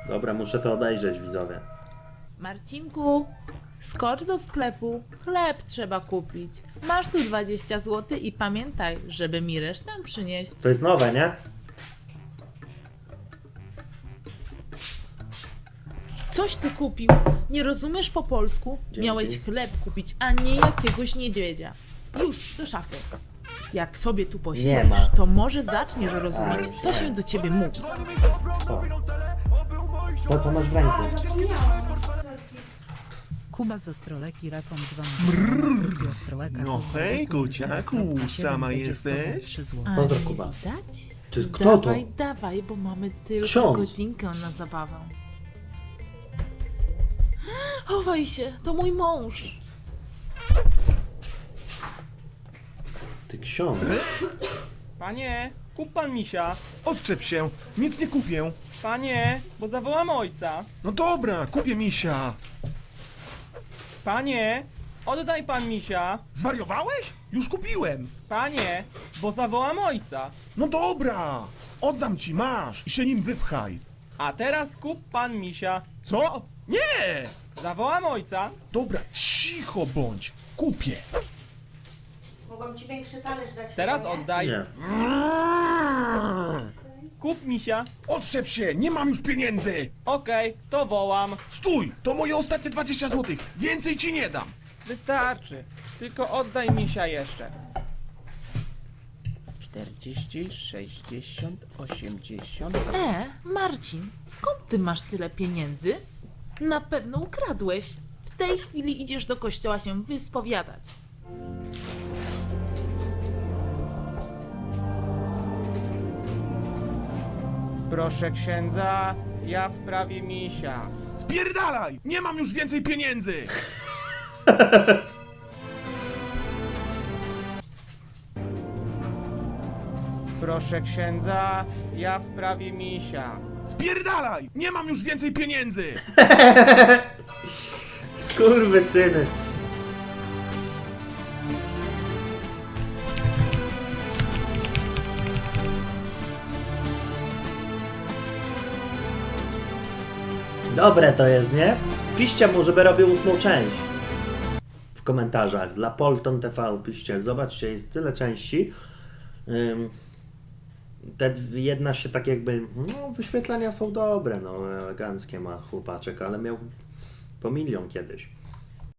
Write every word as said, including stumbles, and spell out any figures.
Dobra, muszę to obejrzeć, widzowie. Marcinku, skocz do sklepu, chleb trzeba kupić. Masz tu dwadzieścia złotych i pamiętaj, żeby mi resztę przynieść. To jest nowe, nie? Coś ty kupił? Nie rozumiesz po polsku? Dzięki. Miałeś chleb kupić, a nie jakiegoś niedźwiedzia. Już, do szafy. Jak sobie tu Nie posiedzisz, ma. to może zaczniesz rozumieć, A, co się do ciebie mówi. To. To, co masz w ręku. Kuba z Ostroleki rapą z wami. Ostrołeka. No hej, Guciaku, sama jesteś? Pozdro, A nie Kuba. widać? Ty, kto to? Dawaj, dawaj, bo mamy tylko Ksiądz. godzinkę na zabawę. Chowaj się, to mój mąż. Ty ksiądz. Panie, kup pan misia. Odczep się, nic nie kupię. Panie, bo zawołam ojca. No dobra, kupię misia. Panie, oddaj pan misia. Zwariowałeś? Już kupiłem. Panie, bo zawołam ojca. No dobra, oddam ci, masz i się nim wypchaj. A teraz kup pan misia. Co? Nie! Zawołam ojca. Dobra, cicho bądź, kupię. Mogłam ci większy talerz dać. Teraz chyba, nie? oddaj. Nie. Kup misia. Odczep się, nie mam już pieniędzy. Okej, to wołam. Stój, to moje ostatnie dwadzieścia złotych. Więcej ci nie dam. Wystarczy. Tylko oddaj misia jeszcze. czterdzieści, sześćdziesiąt, osiemdziesiąt. E, Marcin, skąd ty masz tyle pieniędzy? Na pewno ukradłeś. W tej chwili idziesz do kościoła się wyspowiadać. Proszę księdza, ja w sprawie misia. Spierdalaj, nie mam już więcej pieniędzy. Proszę księdza, ja w sprawie misia. Spierdalaj, nie mam już więcej pieniędzy. Skurwysyny. Dobre to jest, nie? Piszcie mu, żeby robił ósmą część. W komentarzach. Dla Polton T V piszcie. Zobaczcie, jest tyle części. Ym, te dwie- jedna się tak jakby... No, wyświetlenia są dobre, no, eleganckie ma chłopaczek, ale miał po milion kiedyś.